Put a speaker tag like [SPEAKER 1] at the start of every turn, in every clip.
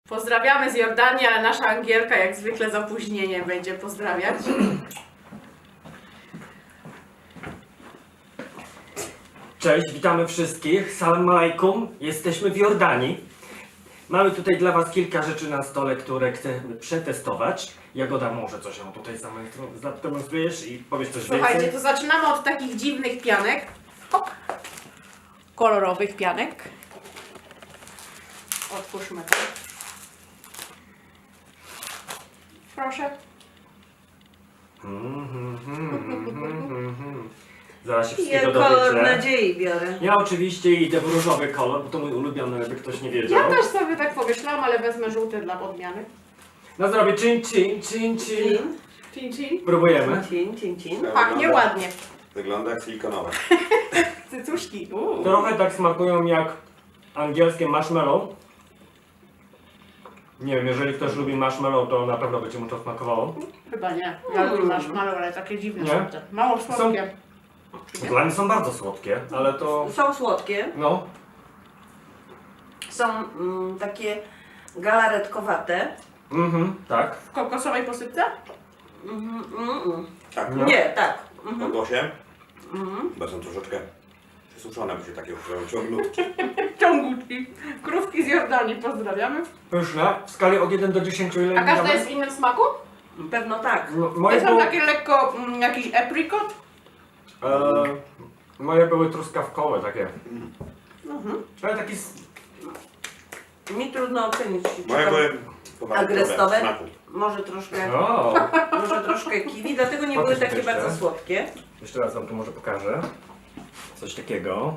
[SPEAKER 1] Pozdrawiamy z Jordanii, ale nasza Angielka jak zwykle z opóźnieniem będzie pozdrawiać.
[SPEAKER 2] Cześć, witamy wszystkich. Salam alaikum. Jesteśmy w Jordanii. Mamy tutaj dla Was kilka rzeczy na stole, które chcemy przetestować. Jagoda, może coś ją tutaj zademonstrujesz i powiesz coś
[SPEAKER 1] Słuchajcie,
[SPEAKER 2] więcej?
[SPEAKER 1] to zaczynamy od takich dziwnych pianek. Hop. Kolorowych pianek. Otwórzmy to. Proszę.
[SPEAKER 2] Zaraz się
[SPEAKER 3] Ja
[SPEAKER 2] wszystkiego
[SPEAKER 3] kolor
[SPEAKER 2] dowiecie.
[SPEAKER 3] nadziei biorę.
[SPEAKER 2] Ja oczywiście idę w różowy kolor, bo to mój ulubiony, jakby ktoś nie wiedział.
[SPEAKER 1] Ja też sobie tak pomyślałam, ale wezmę żółty dla odmiany.
[SPEAKER 2] Na zdrowie, cin, cin, cin, cin.
[SPEAKER 1] Cin, cin.
[SPEAKER 2] Próbujemy.
[SPEAKER 3] Cin.
[SPEAKER 1] Pachnie ładnie.
[SPEAKER 4] Wygląda jak silikonowe.
[SPEAKER 1] Cycuszki.
[SPEAKER 2] Trochę tak smakują jak angielskie marshmallow. Nie wiem, jeżeli ktoś lubi marshmallow, to na pewno będzie mu to smakowało.
[SPEAKER 1] Chyba nie. Ja lubię marshmallow, ale takie dziwne
[SPEAKER 2] Nie?
[SPEAKER 1] są te. Mało słodkie.
[SPEAKER 2] Dla mnie są bardzo słodkie, ale to...
[SPEAKER 3] Są słodkie,
[SPEAKER 2] No,
[SPEAKER 3] są takie galaretkowate.
[SPEAKER 2] tak.
[SPEAKER 1] W kokosowej posypce?
[SPEAKER 4] Tak,
[SPEAKER 2] No.
[SPEAKER 3] Nie, tak.
[SPEAKER 4] na głosie. Chyba są troszeczkę przesuszone, bo się takie ciągnutki.
[SPEAKER 1] Ciągutki. Krówki z Jordanii, pozdrawiamy.
[SPEAKER 2] Pyszne. W skali od 1 do 10 ile
[SPEAKER 1] A
[SPEAKER 2] mi
[SPEAKER 1] każda
[SPEAKER 2] damy?
[SPEAKER 1] jest w innym smaku?
[SPEAKER 3] Pewno tak.
[SPEAKER 2] No,
[SPEAKER 1] To
[SPEAKER 2] moje,
[SPEAKER 1] są
[SPEAKER 2] było,
[SPEAKER 1] takie lekko jakiś aprikot?
[SPEAKER 2] moje były truskawkowe takie. Ale taki...
[SPEAKER 3] Mi trudno ocenić.
[SPEAKER 4] Moje były pomarańczowe
[SPEAKER 3] Agrestowe?
[SPEAKER 4] w smaku.
[SPEAKER 3] Może troszkę kiwi, dlatego nie były
[SPEAKER 2] Pokaż
[SPEAKER 3] takie
[SPEAKER 2] jeszcze.
[SPEAKER 3] bardzo słodkie.
[SPEAKER 2] Jeszcze raz wam tu może pokażę. Coś takiego.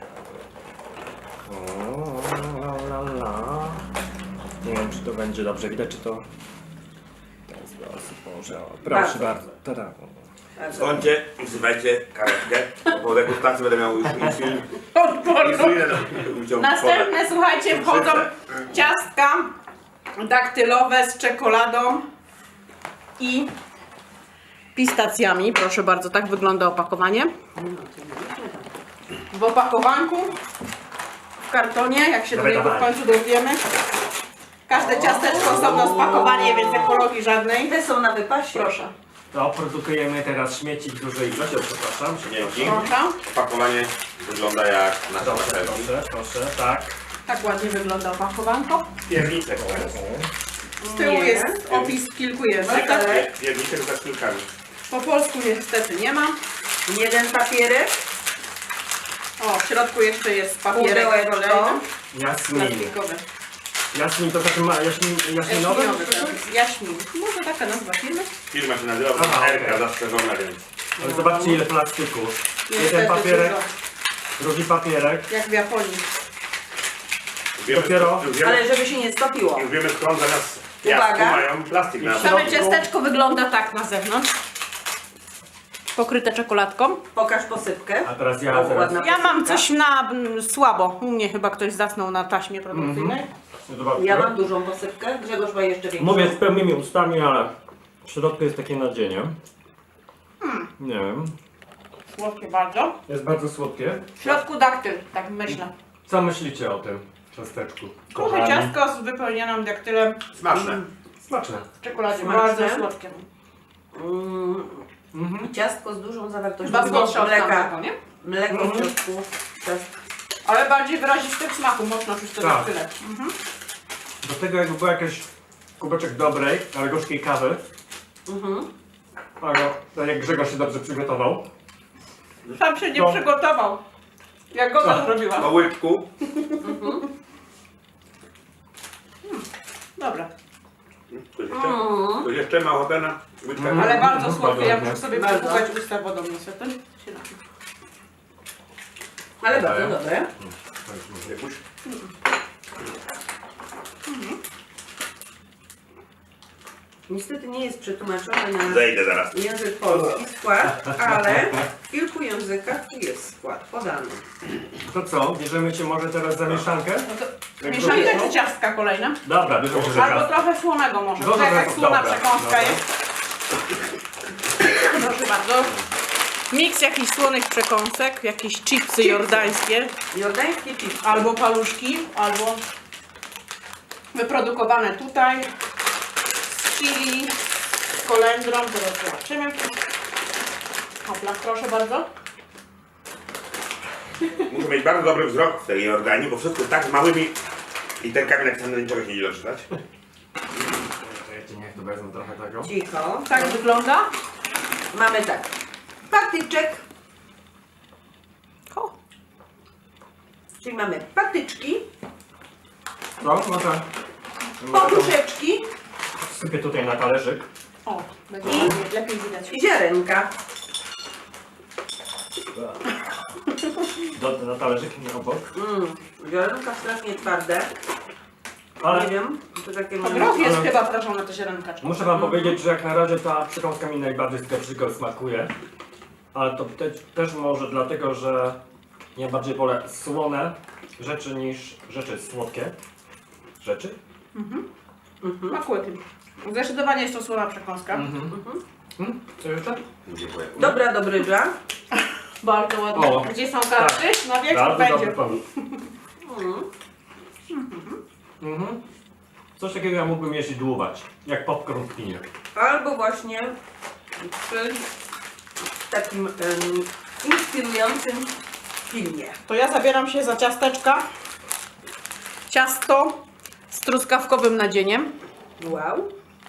[SPEAKER 2] O, la, la. Nie wiem, czy to będzie dobrze widać, czy to... W ten sposób może. O, proszę bardzo. Tada.
[SPEAKER 4] Skądcie, wzywajcie karetkę, bo degustacji będę miał już insulinę
[SPEAKER 1] Następne, słuchajcie, wchodzą ciastka daktylowe z czekoladą i pistacjami. Proszę bardzo, tak wygląda opakowanie. W opakowanku, w kartonie, jak się do
[SPEAKER 2] Dawaj,
[SPEAKER 1] niego w
[SPEAKER 2] dawaj.
[SPEAKER 1] końcu dowiemy. Każde ciasteczko osobno spakowanie, więc ekologii żadnej.
[SPEAKER 3] Te są na wypasie.
[SPEAKER 1] Proszę,
[SPEAKER 2] To produkujemy teraz śmieci w dużej ilości, przepraszam.
[SPEAKER 4] Dzięki.
[SPEAKER 1] proszę.
[SPEAKER 4] Pakowanie wygląda jak nasz
[SPEAKER 2] Dobrze,
[SPEAKER 4] selfie.
[SPEAKER 2] proszę, tak.
[SPEAKER 1] Tak ładnie wygląda opakowanko.
[SPEAKER 4] Pierniczek.
[SPEAKER 1] Z tyłu
[SPEAKER 3] Nie.
[SPEAKER 1] jest opis w kilku językach.
[SPEAKER 4] Pierniczek z szpilkami.
[SPEAKER 1] Po polsku niestety nie ma.
[SPEAKER 3] Jeden papierek.
[SPEAKER 1] O, w środku jeszcze jest papierek
[SPEAKER 3] Pudełeczko.
[SPEAKER 1] kolejny.
[SPEAKER 2] Jasmin.
[SPEAKER 1] Plastikowy.
[SPEAKER 2] Jasmin to taki ma... Jaśminowy?
[SPEAKER 1] Jaśminowy, tak. Jaśmin. Może taka nazwa firmy?
[SPEAKER 4] Firma się nazywa
[SPEAKER 2] Aha,
[SPEAKER 4] Erka
[SPEAKER 2] okej.
[SPEAKER 4] zastrzeżona, więc
[SPEAKER 2] Ale zobaczcie ile plastiku.
[SPEAKER 1] Niestety
[SPEAKER 2] Jeden papierek,
[SPEAKER 1] dużo.
[SPEAKER 2] drugi papierek.
[SPEAKER 1] Jak w Japonii.
[SPEAKER 2] Dopiero-
[SPEAKER 3] Ale żeby się nie stopiło.
[SPEAKER 4] Już wiemy skąd zamiast
[SPEAKER 3] Uwaga.
[SPEAKER 4] piasku mają plastik na
[SPEAKER 1] Same ciasteczko wygląda tak na zewnątrz. Pokryte czekoladką.
[SPEAKER 3] Pokaż posypkę.
[SPEAKER 2] A teraz
[SPEAKER 3] O,
[SPEAKER 2] ja zaraz...
[SPEAKER 3] ładna
[SPEAKER 1] Ja mam
[SPEAKER 3] posypka.
[SPEAKER 1] coś na słabo. U mnie chyba ktoś zasnął na taśmie produkcyjnej.
[SPEAKER 2] Zobaczcie.
[SPEAKER 3] Ja mam dużą posypkę. Grzegorz ma jeszcze większą.
[SPEAKER 2] Mówię z pełnymi ustami, ale w środku jest takie nadzienie. Nie wiem.
[SPEAKER 1] Słodkie bardzo.
[SPEAKER 2] Jest bardzo słodkie.
[SPEAKER 1] W środku daktyl, tak myślę.
[SPEAKER 2] Co myślicie o tym ciasteczku?
[SPEAKER 1] Trochę
[SPEAKER 2] Kochani?
[SPEAKER 1] ciastko z wypełnionym daktylem
[SPEAKER 4] Smaczne.
[SPEAKER 2] Smaczne.
[SPEAKER 1] w czekoladzie.
[SPEAKER 3] Smaczne.
[SPEAKER 1] Bardzo słodkie.
[SPEAKER 3] Ciastko z dużą zawartością
[SPEAKER 1] Chyba słodsze od
[SPEAKER 3] mleka.
[SPEAKER 1] tamtego, nie?
[SPEAKER 3] Mleko w środku.
[SPEAKER 1] Ale bardziej wyrazisty w smaku, mocno czuć to
[SPEAKER 2] Tak.
[SPEAKER 1] daktyle.
[SPEAKER 2] Do tego jakby był jakiś kubeczek dobrej, ale gorzkiej kawy. Ale tak jak Grzegorz się dobrze przygotował.
[SPEAKER 1] Sam się nie
[SPEAKER 2] No.
[SPEAKER 1] przygotował. Jak go to
[SPEAKER 2] Tak.
[SPEAKER 1] zrobiła.
[SPEAKER 4] Po łyczku.
[SPEAKER 1] Dobra.
[SPEAKER 4] Ktoś jeszcze ma ochotę na łyczkę?
[SPEAKER 1] Ale bardzo słodkie, ja
[SPEAKER 2] Bardzo.
[SPEAKER 1] muszę sobie
[SPEAKER 3] Bardzo.
[SPEAKER 1] przepłukać usta wodą niestety. Się napiję.
[SPEAKER 3] Ale bardzo dobre.
[SPEAKER 4] Jakuś?
[SPEAKER 3] Niestety nie jest przetłumaczone na
[SPEAKER 4] Zejdę zaraz.
[SPEAKER 3] język polski skład, ale w kilku językach tu jest skład podany.
[SPEAKER 2] To co? Bierzemy się może teraz za mieszankę?
[SPEAKER 1] No to mieszankę czy ciastka kolejne?
[SPEAKER 2] Dobra, bierzemy się za
[SPEAKER 1] Albo
[SPEAKER 2] ciasto.
[SPEAKER 1] trochę słonego może.
[SPEAKER 2] Dobra,
[SPEAKER 1] Tak jak słona
[SPEAKER 2] dobra,
[SPEAKER 1] przekąska
[SPEAKER 2] dobra.
[SPEAKER 1] jest. Proszę bardzo. Miks jakichś słonych przekąsek, jakieś chipsy jordańskie,
[SPEAKER 3] Jordańskie chipsy.
[SPEAKER 1] albo paluszki, albo wyprodukowane tutaj z chili, z kolendrą, teraz zobaczymy. Hopla, proszę bardzo.
[SPEAKER 4] Muszę mieć bardzo dobry wzrok w tej Jordanii, bo wszystko tak z małymi literkami napisane, niczego się nie da czytać.
[SPEAKER 2] Czekajcie, niech tu wezmę trochę tego.
[SPEAKER 3] Cicho.
[SPEAKER 1] Tak wygląda.
[SPEAKER 3] Mamy tak. Patyczek,
[SPEAKER 1] O,
[SPEAKER 3] czyli mamy patyczki,
[SPEAKER 2] No, może...
[SPEAKER 3] poduszeczki
[SPEAKER 2] Sypię tutaj na talerzyk.
[SPEAKER 1] o, będzie lepiej widać.
[SPEAKER 3] i ziarenka.
[SPEAKER 2] Na talerzyk nie obok.
[SPEAKER 3] Ziarenka strasznie twarde. Nie
[SPEAKER 2] Ale
[SPEAKER 3] wiem, to takie
[SPEAKER 1] To
[SPEAKER 3] mam...
[SPEAKER 1] groch jest
[SPEAKER 2] Ale-
[SPEAKER 1] chyba prażone, te ziarenka.
[SPEAKER 2] muszę wam powiedzieć, że jak na razie ta przekąska mi najbardziej z pieprzyką smakuje. Ale to też może dlatego, że ja bardziej wolę słone rzeczy niż rzeczy słodkie. Rzeczy?
[SPEAKER 1] Smakuje tym. Zdecydowanie jest to słona przekąska.
[SPEAKER 2] Co jeszcze?
[SPEAKER 4] Dziękuję.
[SPEAKER 3] Dobra dobrydża.
[SPEAKER 1] Bardzo ładnie.
[SPEAKER 2] O,
[SPEAKER 1] Gdzie są karty? Na wiek
[SPEAKER 2] Bardzo
[SPEAKER 1] będzie.
[SPEAKER 2] dobry pomysł. Coś takiego ja mógłbym jeść i dłuwać. Jak popcorn w kinie.
[SPEAKER 3] Albo właśnie przy takim inspirującym filmie.
[SPEAKER 1] To ja zabieram się za ciasteczka. Ciasto z truskawkowym nadzieniem.
[SPEAKER 3] Wow.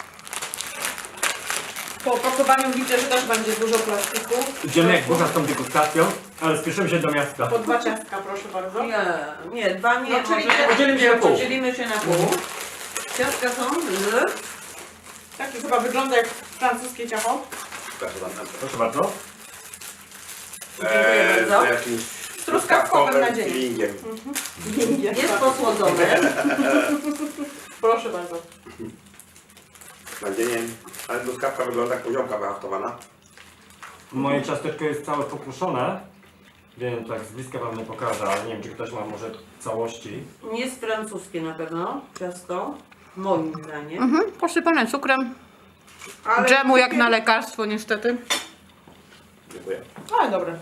[SPEAKER 1] Po opakowaniu widzę, że też będzie dużo plastiku.
[SPEAKER 2] Idziemy jak burza z tą degustacją, ale spieszymy się do miasta.
[SPEAKER 1] Po 2 ciastka, proszę bardzo.
[SPEAKER 3] Nie, dwa nie.
[SPEAKER 1] No, czyli
[SPEAKER 3] może
[SPEAKER 2] podzielimy się na pół.
[SPEAKER 3] Podzielimy się na pół. Ciastka są z...
[SPEAKER 1] Taki chyba wygląda jak francuskie ciacho.
[SPEAKER 2] Proszę bardzo.
[SPEAKER 3] Dziękuję bardzo.
[SPEAKER 4] Z jakimś
[SPEAKER 3] truskawkowym
[SPEAKER 4] nadzieniem. Feelingiem.
[SPEAKER 3] Jest posłodzone.
[SPEAKER 1] Proszę bardzo.
[SPEAKER 4] Nadzieniem. Ale truskawka wygląda jak poziomka wyhaftowana.
[SPEAKER 2] Moje ciasteczko jest całe pokruszone, więc tak z bliska wam nie pokażę, ale nie wiem, czy ktoś ma może całości.
[SPEAKER 3] Jest francuskie na pewno ciasto. Moim zdaniem.
[SPEAKER 1] Posypane cukrem.
[SPEAKER 3] Ale
[SPEAKER 1] Dżemu jak na lekarstwo niestety.
[SPEAKER 4] Dziękuję.
[SPEAKER 1] Ale dobre.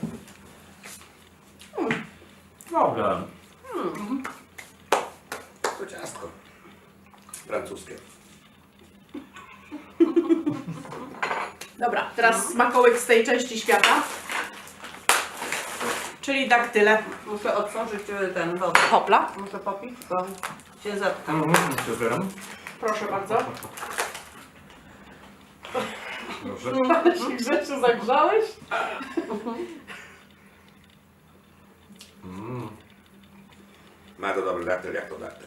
[SPEAKER 2] Dobra.
[SPEAKER 4] To ciastko. Francuskie.
[SPEAKER 1] Dobra, teraz smakołyk z tej części świata. Czyli daktyle.
[SPEAKER 3] Muszę otworzyć ten wodę.
[SPEAKER 1] Hopla.
[SPEAKER 3] Muszę popić, bo się zatka.
[SPEAKER 2] Przebieram.
[SPEAKER 1] Proszę bardzo.
[SPEAKER 2] Proszę.
[SPEAKER 1] Ale się grzecznie zagrzałeś?
[SPEAKER 4] Ma to dobry daktyl, jak to daktyl.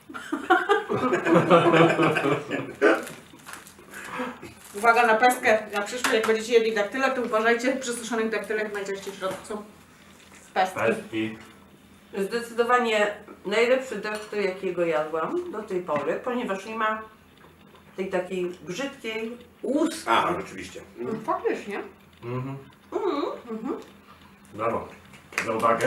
[SPEAKER 1] Uwaga na peskę. Na przyszłość, jak będziecie jedli daktyle, to uważajcie, przy suszonych daktylach najczęściej w środku są pestki.
[SPEAKER 2] Pestki.
[SPEAKER 3] Zdecydowanie najlepszy daktyl, jakiego jadłam do tej pory, ponieważ nie ma tej takiej brzydkiej łuski.
[SPEAKER 4] A, no rzeczywiście.
[SPEAKER 1] Faktycznie.
[SPEAKER 2] Brawo. Za uwagę.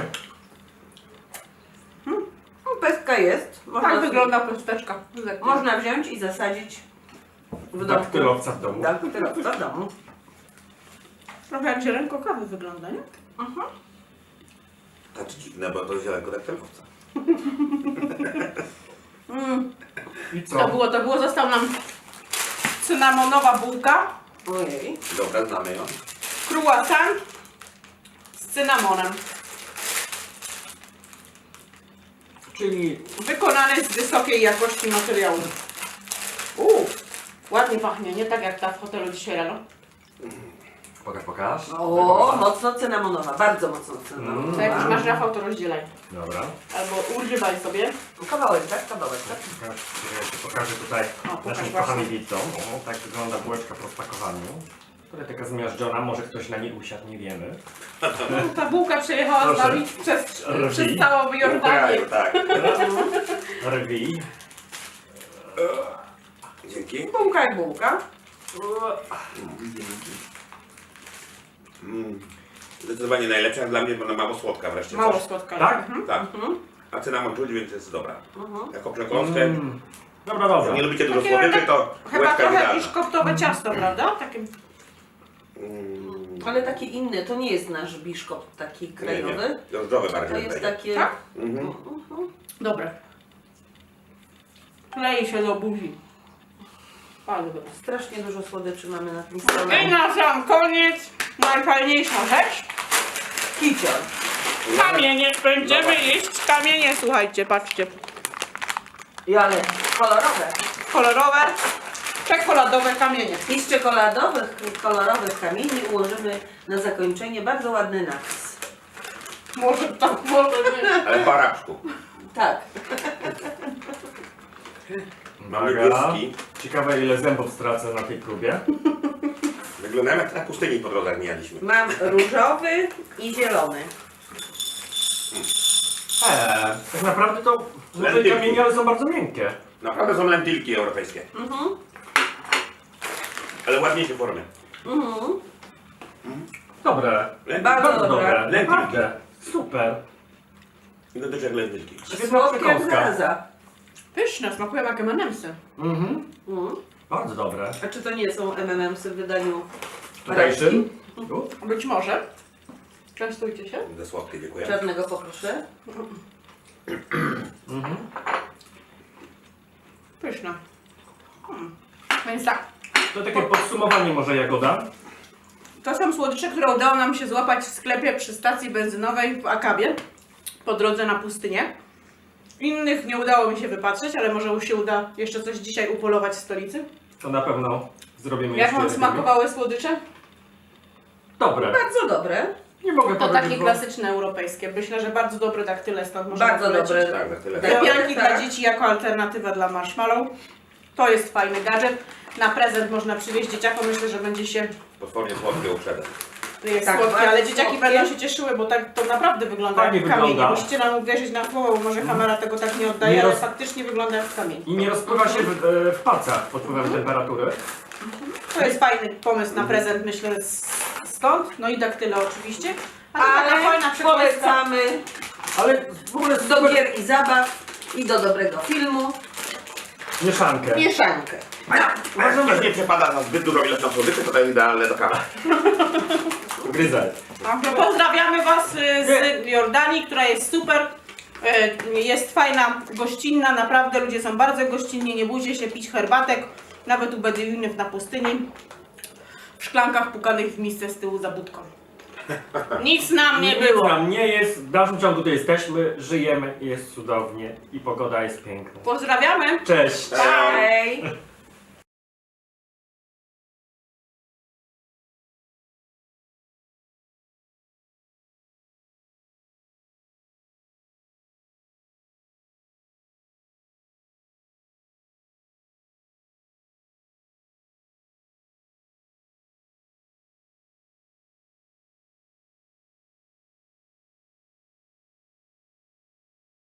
[SPEAKER 3] No, pestka jest.
[SPEAKER 1] Tak wygląda pesteczka.
[SPEAKER 3] Można wziąć i zasadzić w domu.
[SPEAKER 2] Daktylowca w domu.
[SPEAKER 3] Daktylowca w domu.
[SPEAKER 1] Trochę jak ziarenko kawy wygląda, nie?
[SPEAKER 4] Tak dziwne, bo to zielenko daktylowca.
[SPEAKER 2] I
[SPEAKER 1] To
[SPEAKER 2] co?
[SPEAKER 1] było. Został nam cynamonowa bułka,
[SPEAKER 3] Ojej.
[SPEAKER 4] Dobra, znamy ją.
[SPEAKER 1] croissant z cynamonem.
[SPEAKER 2] Czyli
[SPEAKER 1] Wykonany z wysokiej jakości materiału. Ładnie pachnie, nie tak jak ta w hotelu dzisiaj rano.
[SPEAKER 2] pokaż.
[SPEAKER 3] O, mocno cynamonowa, bardzo mocno cynamonowa.
[SPEAKER 1] To jak już masz, Rafał, to rozdzielaj.
[SPEAKER 2] Dobra.
[SPEAKER 1] Albo używaj sobie.
[SPEAKER 3] Kawałek, tak? Kawałek, tak?
[SPEAKER 2] Pokażę tutaj
[SPEAKER 1] O, pokaż
[SPEAKER 2] naszym
[SPEAKER 1] właśnie.
[SPEAKER 2] kochanym widzom. O, tak wygląda bułeczka po spakowaniu. Która taka zmiażdżona, może ktoś na niej usiadł, nie wiemy.
[SPEAKER 1] Ta bułka przejechała z
[SPEAKER 2] Proszę.
[SPEAKER 1] nami przez
[SPEAKER 2] Rwi.
[SPEAKER 1] całą Jordanię.
[SPEAKER 4] Tak.
[SPEAKER 2] Rwi.
[SPEAKER 4] Dzięki.
[SPEAKER 3] Bułka i bułka.
[SPEAKER 4] Zdecydowanie najlepsza jak dla mnie, bo ona mało słodka wreszcie.
[SPEAKER 1] Mało
[SPEAKER 4] coś.
[SPEAKER 1] słodka.
[SPEAKER 2] Tak?
[SPEAKER 1] Mhm.
[SPEAKER 4] Tak. A cynamon czuć, więc jest dobra. Jako przekąskę.
[SPEAKER 2] Dobra,
[SPEAKER 4] Jak nie
[SPEAKER 2] dobra.
[SPEAKER 4] lubicie dużo
[SPEAKER 1] Takie
[SPEAKER 4] słodyczy, to
[SPEAKER 1] Chyba
[SPEAKER 4] łeczka
[SPEAKER 1] trochę
[SPEAKER 4] idealna.
[SPEAKER 1] biszkoptowe ciasto, prawda? Takie...
[SPEAKER 3] Ale takie inne, to nie jest nasz biszkopt taki krajowy.
[SPEAKER 4] Drożdżowe
[SPEAKER 3] To
[SPEAKER 4] bardziej.
[SPEAKER 3] jest
[SPEAKER 4] wydaje.
[SPEAKER 3] takie...
[SPEAKER 1] Tak?
[SPEAKER 4] Mhm.
[SPEAKER 1] Dobre. Klei się do buzi. Bardzo dobre.
[SPEAKER 3] Strasznie dużo słodyczy mamy na tym stole.
[SPEAKER 1] I na sam koniec najfajniejsza rzecz.
[SPEAKER 3] Kicior.
[SPEAKER 1] Kamienie. Będziemy jeść kamienie, słuchajcie, patrzcie.
[SPEAKER 3] I ale kolorowe.
[SPEAKER 1] Kolorowe, czekoladowe kamienie.
[SPEAKER 3] I z czekoladowych, kolorowych kamieni ułożymy na zakończenie bardzo ładny napis.
[SPEAKER 1] Może tak, może nie.
[SPEAKER 4] Ale po arabsku.
[SPEAKER 3] Tak.
[SPEAKER 4] Mam
[SPEAKER 2] Uwaga.
[SPEAKER 4] niebieski.
[SPEAKER 2] Ciekawe ile zębów stracę na tej próbie.
[SPEAKER 4] Wyglądają jak na pustyni po drodze, jak mijaliśmy.
[SPEAKER 3] Mam różowy i zielony.
[SPEAKER 2] Tak naprawdę to może
[SPEAKER 4] Lentylki.
[SPEAKER 2] kamienie, ale są bardzo miękkie.
[SPEAKER 4] Naprawdę są lentylki europejskie. Ale ładniejsze formy.
[SPEAKER 2] Dobre.
[SPEAKER 3] Bardzo dobre.
[SPEAKER 4] Lentylki.
[SPEAKER 2] Naprawdę. Super.
[SPEAKER 4] Wyglądasz jak lentylki.
[SPEAKER 2] Świetna
[SPEAKER 3] Słodkie jak
[SPEAKER 2] przekąska.
[SPEAKER 3] zaraza.
[SPEAKER 1] Pyszne, smakują jak M&M'sy.
[SPEAKER 2] Bardzo dobre.
[SPEAKER 3] A czy to nie są M&M'sy w wydaniu
[SPEAKER 2] Tutejszym?
[SPEAKER 1] Być może. Częstujcie się.
[SPEAKER 4] Za słodkie, dziękuję.
[SPEAKER 3] czarnego poproszę?
[SPEAKER 1] Pyszne. Więc tak,
[SPEAKER 2] To takie podsumowanie może Jagoda.
[SPEAKER 1] to są słodycze, które udało nam się złapać w sklepie przy stacji benzynowej w Akabie po drodze na pustynię. Innych nie udało mi się wypatrzeć, ale może się uda jeszcze coś dzisiaj upolować w stolicy.
[SPEAKER 2] To na pewno zrobimy
[SPEAKER 1] Jak
[SPEAKER 2] jeszcze
[SPEAKER 1] wam
[SPEAKER 2] lepiej.
[SPEAKER 1] smakowały słodycze?
[SPEAKER 2] Dobre.
[SPEAKER 3] Bardzo dobre.
[SPEAKER 2] Nie mogę
[SPEAKER 1] To
[SPEAKER 2] powiedzieć,
[SPEAKER 1] takie
[SPEAKER 2] bo-
[SPEAKER 1] klasyczne europejskie. Myślę, że bardzo dobre daktyle stąd można
[SPEAKER 3] Bardzo
[SPEAKER 1] polecić.
[SPEAKER 3] dobre.
[SPEAKER 4] Tak, na tyle.
[SPEAKER 3] Tak.
[SPEAKER 1] Lepianki
[SPEAKER 3] Tak.
[SPEAKER 1] dla dzieci jako alternatywa dla marshmallow. To jest fajny gadżet. Na prezent można przywieźć dzieciakom. Myślę, że będzie się
[SPEAKER 4] Potwornie słodkie uprzedzę.
[SPEAKER 1] jest
[SPEAKER 3] Tak,
[SPEAKER 1] słodkie,
[SPEAKER 3] bardzo
[SPEAKER 1] ale dzieciaki
[SPEAKER 3] słodkie.
[SPEAKER 1] będą się cieszyły, bo tak to naprawdę wygląda
[SPEAKER 2] Fajnie
[SPEAKER 1] jak kamienie.
[SPEAKER 2] wygląda.
[SPEAKER 1] Musicie nam uwierzyć na słowo, bo może kamera tego tak nie oddaje,
[SPEAKER 2] Nie
[SPEAKER 1] ale
[SPEAKER 2] roz-
[SPEAKER 1] faktycznie wygląda jak kamień.
[SPEAKER 2] I nie rozpływa się w palcach pod wpływem temperatury.
[SPEAKER 1] To jest fajny pomysł na prezent, myślę, stąd. No i daktyle oczywiście. A to taka
[SPEAKER 3] Ale
[SPEAKER 1] fajna przekąska.
[SPEAKER 3] polecamy
[SPEAKER 2] Ale w ogóle
[SPEAKER 3] do
[SPEAKER 2] super
[SPEAKER 3] gier i zabaw i do dobrego filmu.
[SPEAKER 2] mieszankę.
[SPEAKER 3] Mieszankę.
[SPEAKER 4] Jak ktoś nie przepada za zbyt dużą ilością słodyczy, to jest idealne do kawy.
[SPEAKER 2] Gryzaj.
[SPEAKER 1] Także pozdrawiamy Was z Jordanii, która jest super. Jest fajna, gościnna, naprawdę ludzie są bardzo gościnni, nie bójcie się pić herbatek, nawet u Beduinów na pustyni, w szklankach pukanych w misce z tyłu za budką. Nic nam nie
[SPEAKER 2] Nic
[SPEAKER 1] było.
[SPEAKER 2] nam nie jest, w dalszym ciągu tu jesteśmy, żyjemy, jest cudownie i pogoda jest piękna.
[SPEAKER 1] Pozdrawiamy.
[SPEAKER 2] Cześć!
[SPEAKER 3] Hej!